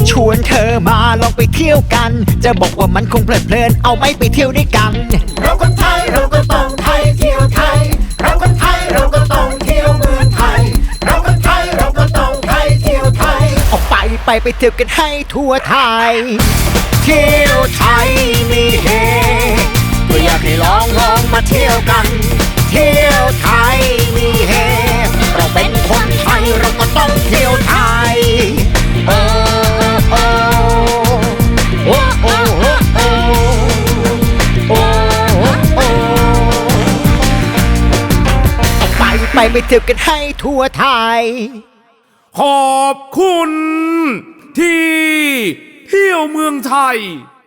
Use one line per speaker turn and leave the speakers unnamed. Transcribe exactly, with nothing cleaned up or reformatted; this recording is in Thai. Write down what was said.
ชวนเธอมาลองไปเที่ยวกัน จะบอกว่ามันคงเพลิดเพลินเอาไหม่ไปเที่ยวด้วยกัน
เราคนไทยเราก็ต้องไทยเที่ยวไทยเราคนไทยเราก็ต้องเที่ยวเมืองไทยเราคนไทยเราก็ต้องไทยเที่ยวไทย
ออกไปไปไปเที่ยวกันให้ทั่วไทยเที่ยวไทยมีเฮก็อยากให้ลองลองมาเที่ยวกันเที่ยวไทยมีเฮเราเป็นคนไทยเราก็ต้องเที่ยวไทยโอ้โอ้โอ้โอ้โอ้โอ้โอ้ออกไปไปไปเที่ยวกันให้ทั่วไทย
ขอบคุณที่เที่ยวเมืองไทย